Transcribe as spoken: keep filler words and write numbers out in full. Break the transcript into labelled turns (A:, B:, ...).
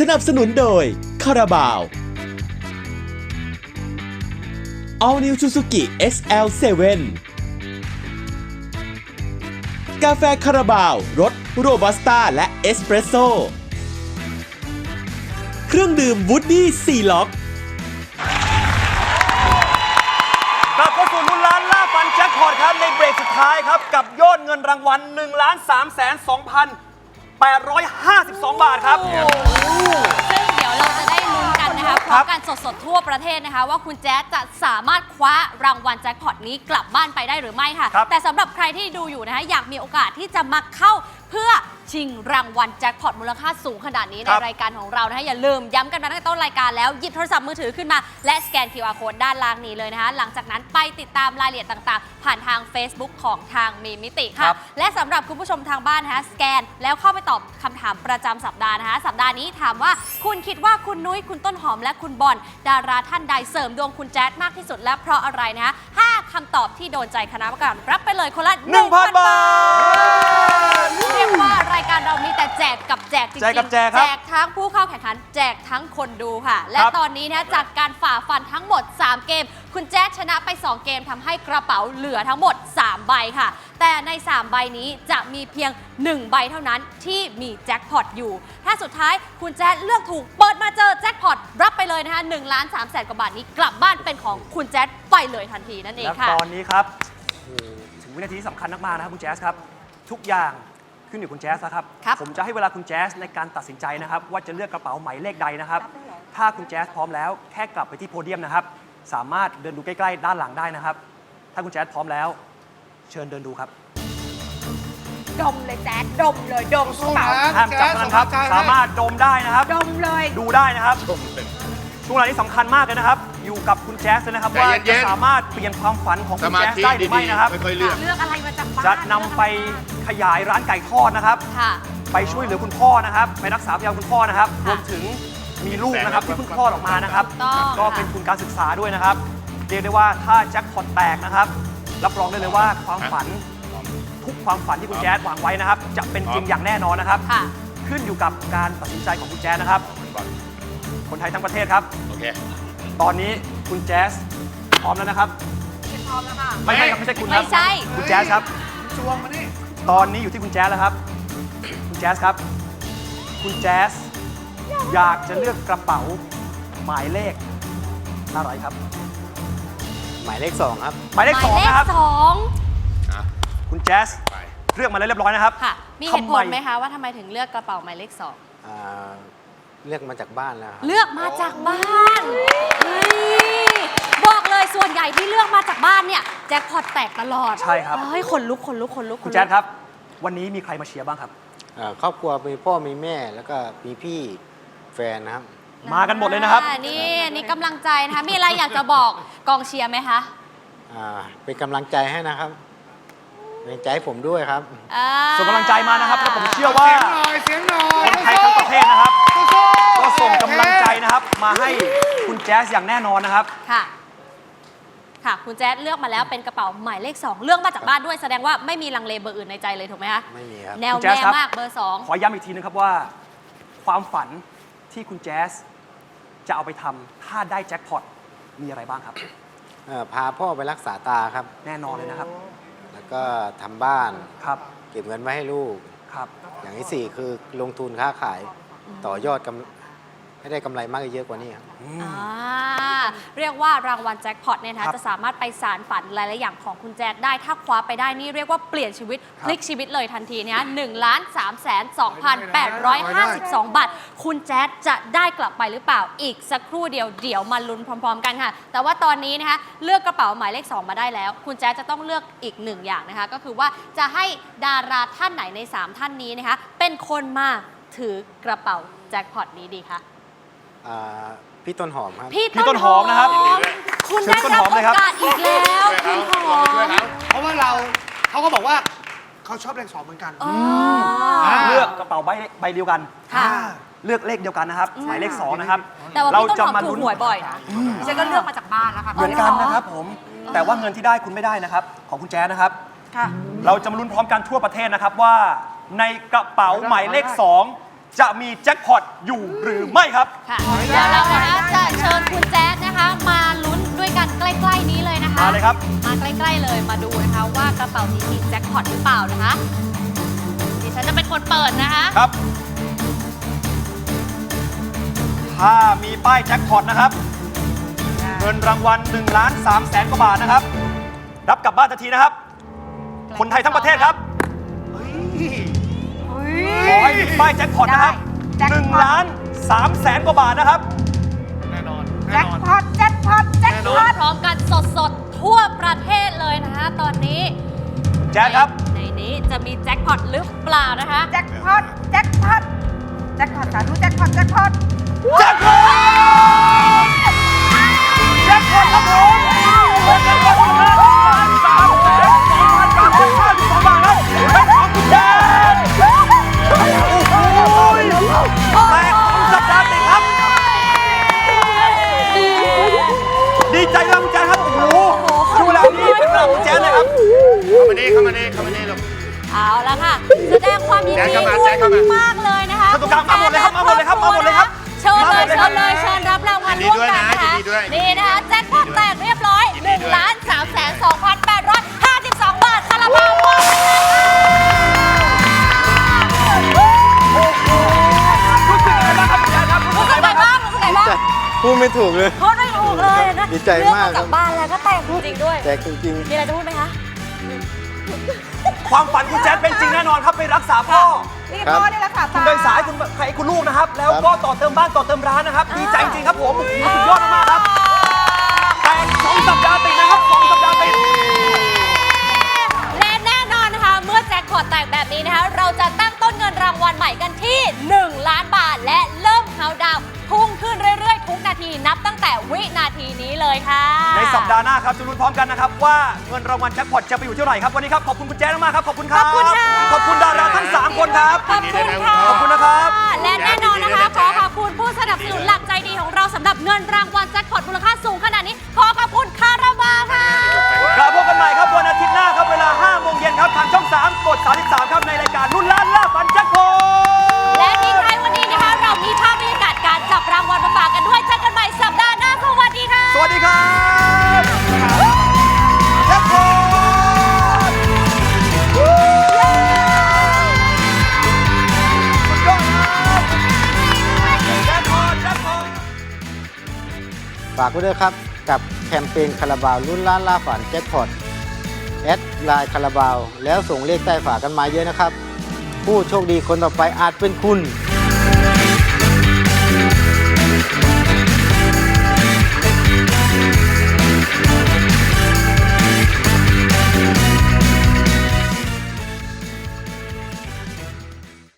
A: สนับสนุนโดยคาราบาว All New Suzuki เอส แอล เซเว่น กาแฟคาราบาวรสโรบัสต้าและเอสเปรสโซ่เครื่องดื่มวูดดี้ซีล็อก
B: กลับเข้าสู่ลุ้นล้านล่าฟันแจ็คพอตครับในเบรกสุดท้ายครับกับยอดเงินรางวัล หนึ่งล้านสามแสนสองพันแปดร้อยห้าสิบสอง บาทครับ
C: ซึ่งเดี๋ยวเราจะได้ลุ้นกันนะคะพร้อมกันสดๆทั่วประเทศนะคะว่าคุณแจ๊สจะสามารถคว้ารางวัลแจ็คพอตนี้กลับบ้านไปได้หรือไม่ค่ะแต่สำหรับใครที่ดูอยู่นะคะอยากมีโอกาสที่จะมาเข้าเพื่อชิงรางวัลแจ็คพอตมูลค่าสูงขนาดนี้ในรายการของเรานะคะอย่าลืมย้ำกันมาตั้งแต่ต้นรายการแล้วหยิบโทรศัพท์มือถือขึ้นมาและสแกน คิว อาร์ Code ด้านล่างนี้เลยนะคะหลังจากนั้นไปติดตามรายละเอียดต่างๆผ่านทาง Facebook ของทางมีมิติค่ะและสำหรับคุณผู้ชมทางบ้านนะคะสแกนแล้วเข้าไปตอบคำถามประจำสัปดาห์นะคะสัปดาห์นี้ถามว่าคุณคิดว่าคุณนุ้ยคุณต้นหอมและคุณบอลดาราท่านใดเสริมดวงคุณแจ๊ดมากที่สุดและเพราะอะไรนะคะห้าคำตอบที่โดนใจคณะกรรมการรับไปเลยคนละ
B: หนึ่งพัน บาท
C: เรียกว่ารายการเรามีแต่แจกกับแจกจริงๆ
B: แจกกับแจกครับ
C: แจกทั้งผู้เข้าแข่งขันแจกทั้งคนดูค่ะและตอนนี้นะจากการฝ่าฟันทั้งหมดสามเกมคุณแจ๊ดชนะไปสองเกมทำให้กระเป๋าเหลือทั้งหมดสามใบค่ะแต่ในสามใบนี้จะมีเพียงหนึ่งใบเท่านั้นที่มีแจ็คพอตอยู่ถ้าสุดท้ายคุณแจ๊ดเลือกถูกเปิดมาเจอแจ็คพอตรับไปเลยนะคะหนึ่งล้านสามแสนกว่าบาทนี้กลับบ้านเป็นของคุณแจ๊ดไปเลยทันทีนั่นเองค่ะ
B: และตอนนี้ครับถึงวินาทีที่สำคัญมากๆนะครับคุณแจ๊สครับทุกอย่างขึ้นอยู่คุณแจ๊สนะครับผมจะให้เวลาคุณแจ๊สในการตัดสินใจนะครับว่าจะเลือกกระเป๋าหมายเลขใดนะครับถ้าคุณแจ๊สพร้อมแล้วแค่กลับไปที่โพเดียมนะครับสามารถเดินดูใกล้ๆด้านหลังได้นะครับถ้าคุณแจ๊สพร้อมแล้วเชิญเดินดูครับ
D: ดมเลยแจ๊ดดมเลยดมกระเป๋า
B: ห้ามจับนะครับสามารถดมได้นะครับ
D: ดมเลย
B: ดูได้นะครับช่วงเวลานี้สำคัญมากเลยนะครับอยู่กับคุณแจ๊สนะครับว่าจะสามารถเปลี่ยนความฝันของคุณแจ๊สได้หรือไม่นะครับ
D: เลือกอะไรมาจากบ้าน
B: จะนำไปขยายร้านไก่ทอดนะครับไปช่วยเหลือคุณพ่อนะครับไปรักษาพยาบาลคุณพ่อนะครับรวมถึงมีลูกนะครับที่เพิ่งคลอดออกมานะครับก็เป็นทุนการศึกษาด้วยนะครับเรียกได้ว่าถ้าแจ็คพอตแตกนะครับรับรองได้เลยว่าความฝันทุกความฝันที่คุณแจ๊สวางไว้นะครับจะเป็นจริงอย่างแน่นอนนะครับขึ้นอยู่กับการตัดสินใจของคุณแจ๊สนะครับคนไทยทั้งประเทศครับโอเคตอนนี้คุณแจ๊สพร้อมแล้วนะครับ
D: พร้อมแล้วค่ะ
B: ไม่ใช่ครับไม่ใช่คุณครับ
C: ไม่ใช่
B: คุณแจ๊สครับ
D: จวงมานี่
B: ตอนนี้อยู่ที่คุณแจ๊สแล้วครับคุณแจ๊สครับคุณแจ๊สอยากจะเลือกกระเป๋าหมายเลขอะไรครับ
E: หมายเลขสองครับ
B: หมายเลขสองนะครับ
C: สอง
B: คุณแจ๊สเลือกมาแล้วเรียบร้อยนะครับ
C: ค่ะมีเหตุผลไหมคะว่าทำไมถึงเลือกกระเป๋าหมายเลขสอง
E: เลือกมาจากบ้านแล้ว
C: เลือกมาจากบ้านบอกเลยส่วนใหญ่ที่เลือกมาจากบ้านเนี่ยแจ็คพอตแตกตลอด
B: ใช่ครับ
C: เฮ้ยคนลุกคนลุกคนลุก
B: คุณแจ๊สครับวันนี้มีใครมาเชียร์บ้างครับ
E: ครอบครัวมีพ่อมีแม่แล้วก็มีพี่แฟนนะครับ
B: มากันหมดเลยนะครับ
C: นี่นี่กำลังใจนะคะมีอะไรอยากจะบอกกองเชียร์ไหมคะ
E: เป็นกำลังใจให้นะครับเป็นใจผมด้วยครับ
B: ส่งกำลังใจมานะครับแล้วผมเชื่อว่า
D: เสียงหน่อย
B: คนไทยทั้งประเทศนะครับก็ส่งกำลังใจนะครับมาให้คุณแจ๊สอย่างแน่นอนนะครับ
C: ค่ะค่ะคุณแจ๊สเลือกมาแล้วเป็นกระเป๋าหมายเลขสองเลือกมาจากบ้านด้วยแสดงว่าไม่มีลังเลเบอร์อื่นในใจเลยถูกไหมคะ
E: ไม่มีครับ
C: แนวแน่มากเบอร์สอง
B: ขอย้ำอีกทีนึงครับว่าความฝันที่คุณแจ๊สจะเอาไปทำถ้าได้แจ็คพอตมีอะไรบ้างครับ
E: พาพ่อไปรักษาตาครับ
B: แน่นอนเลยนะครับ
E: แล้วก็ทำบ้าน
B: ครับ
E: เก็บเงินไว้ให้ลูก
B: ครับ
E: อย่างที่สี่คือลงทุนค้าขายต่อยอดกำให้ได้กำไรมากเยอะกว่านี้ครับ
C: เรียกว่ารางวัลแจ็คพอตเนี่ยนะจะสามารถไปสารฝันหลายๆอย่างของคุณแจ๊ดได้ถ้าคว้าไปได้นี่เรียกว่าเปลี่ยนชีวิตพลิกชีวิตเลยทันทีเนี่ยหนึ่งล้านสามแสนสองพันแปดร้อยห้าสิบสองบาทคุณแจ๊ดจะได้กลับไปหรือเปล่าอีกสักครู่เดียวเดี๋ยวมาลุ้นพร้อมๆกันค่ะแต่ว่าตอนนี้นะคะเลือกกระเป๋าหมายเลขสองมาได้แล้วคุณแจ๊ดจะต้องเลือกอีกหนึ่งอย่างนะคะก็คือว่าจะให้ดาราท่านไหนในสามท่านนี้นะคะเป็นคนมาถือกระเป๋าแจ็คพอตนี้ดีคะ
E: พี่ต้นหอมครับ
C: พี่ต้นหอมนะครับคุณได้รับโอกาสอีกแล้วพี่หอม
D: เพราะว่าเราเขาก็บอกว่าเขาชอบเลขสองเหมือนกัน
B: เลือกกระเป๋าใบใบเดียวกันเลือกเลขเดียวกันนะครับหมายเลขสองนะครับ
C: เราจะมาลุ้นหวยบ่อยนะ
D: ฉันก็เลือกมาจากบ้านแล้วค่ะ
B: เหมือนกันนะครับผมแต่ว่าเงินที่ได้คุณไม่ได้นะครับของคุณแจ๊สนะครับเราจะมาลุ้นพร้อมกันทั่วประเทศนะครับว่าในกระเป๋าหมายเลขสองจะมีแจ็คพอตอยู่หรือไม่ครับ
C: ค่ะเดี๋ยวเรานะคะจะเชิญคุณแจ๊ดนะคะ มาลุ้นด้วยกันใกล้ๆนี้เลยนะคะ
B: มาเลยครับ
C: มาใกล้ๆเลยมาดูนะคะว่ากระเป๋านี้มีแจ็คพอตหรือเปล่านะคะดิฉันจะเป็นคนเปิดนะคะ
B: ครับ ถ้ามีป้ายแจ็คพอตนะครับ เงินรางวัล1ล้าน3แสนกว่าบาทนะครับ รับกลับบ้านทันทีนะครับ คนไทยทั้งประเทศครับเฮ้ยขอให้มีป้ายแจ็คพอตนะครับ1ล้าน3แสนกว่าบาทนะครับ
D: แน่นอน
F: แจ็คพอตแจ็คพอตแจ็คพ
C: ลุ้
F: อน ต
C: พร้อมกันสดๆ ทั่วประเทศเลยนะคะตอนนี้
B: แจ็คครับ
C: ในนี้จะมีแจ็คพอตหรือเปล่านะคะ
F: แจ็คพอตแจ็คพอตแจ็คพอตสาธุแจ็คพอตแจ็คพอต
B: แจ็คพอตแจ็คพอตครับผมแจ็คพอตครับสามแสนสองพันเก้าร้อยห้าสิบสองบาทครับเป็นของคุณแจ็คโอ้โหแตกของสัปดาห์ติดครับ ดีใจด้วยคุณแจ๊คครับ โอ้โหช่วงเวลานี้เป็นเวลาของคุณแจ๊คเลยครับ
D: เข้ามานี่เข้ามานี่เข้ามานี่ลูก
C: เอาละค่ะ แสดงความยิน
D: แจ๊ค
C: ดี
D: เข้ามา
C: ด้ว
D: แจ๊
C: ย
D: คเข้ามา
C: มากเลยนะคะ
B: เข้าตรงกลางมาหมดเลยครับมาหมดเลยครับมาหมดเลยครับ
C: เชิญเลย
B: มาหมดเลยครับ
C: เชิญเลยเชิญรับรางวัลร่วมกันนะคะ
D: ยินดีด้วยนะ
C: นี่นะคะแจ็คพอตแตกเรียบร้อย
D: ยิน
C: ห
D: ดี
C: นึ่ง
D: ด้วย
C: ล้านสามแสนสองพันแปดร้อยห้าสิบสองบาทคาราบาวมอบให้เลยค่ะ
B: รู้สึกยังไงบ้างครับคุณแจ๊คครับรู้สึ
C: รู้
B: ก
C: สึ
B: ยัง
C: ก
B: ไง
C: ไง
B: บ้างครับ
C: บ้างรู้สึกไงบ้าง
E: พูดไม่ถูกเลย
C: พูดไม่ถูกเลยนะ
E: ดีใจมาก
C: เรื่องจากบ้านแล้วก็แตกจริงๆด้วย
E: แต่จริง
C: มีอะไรจะพูดไหมคะ
B: ความฝันคุณแจ๊คเป็นจริงแน่นอนครับไปรักษาพ่อ
F: นี่พ่อนี่แหละค่ะ
B: คุณเดินสายคุณใครคุณลูกนะครับ แล้วก็ต่อเติมบ้านต่อเติมร้านนะครับ ดีใจจริงครับผมโอ้โหสุดยอดมากๆครับแต่สองสัปดาห์ติดนะครับสองสัปดาห์ติด
C: และแน่นอนนะคะ เมื่อแจ็คพอตแตกแบบนี้นะคะ เราจะตั้งต้นเงินรางวัลใหม่กันที่ หนึ่ง ล้านบาท และเริ่มเฮาดาวน์พุ่งขึ้นเรื่อยๆ ทุกนาทีนับตั้งแต่วินาทีนี้เลยค่ะ
B: ในสัปดาห์หน้าครับจะลุ้นพร้อมกันนะครับว่าเงินรางวัลแจ็คพอตจะไปอยู่เท่าไหร่ครับวันนี้ครับขอบคุณคุณแจ๊คมากๆครับขอบคุณครับ
C: ขอบคุณค่ะ
B: ขอบคุณดาราทั้งสามคนครับ
C: ขอบคุณค่ะ
B: ขอบคุณนะครับ
C: และแน่นอนนะคะ ขอขอบคุณผู้สนับสนุนหลักใจดีของเราสำหรับเงินรางวัลแจ็คพอตมูลค่าสูงขนาดนี้ ขอขอบคุณคาราบาวค่ะ
B: กลับพบกันใหม่ครับวันอาทิตย์หน้าครับเวลาห้าโมงเย็นครับทางช่องสามกดสามสิบสามครับในรายการลุ้นล้านล่าฝันแจ็คพอต
C: และทิ้งท้ายวันนี้นะคะ เรามีภาพบรรยากาศการจับรางวัลมาฝากกันด้วยเจอกันใหม่สัปดาห์หน้าสวัสดีค่ะ
B: สวัสดีครับแจ็คพอตสุดยอดครับแจ็คพอตแจ็คพอต
E: ๆ ฝากไว้ด้วยครับ กับแคมเปญคาราบาวลุ้นล้านล่าฝันแจ็คพอตแอดไลน์คาราบาวแล้วส่งเลขใต้ฝากันมาเยอะนะครับ ผู้โชคดีคนต่อไปอาจเป็นคุณ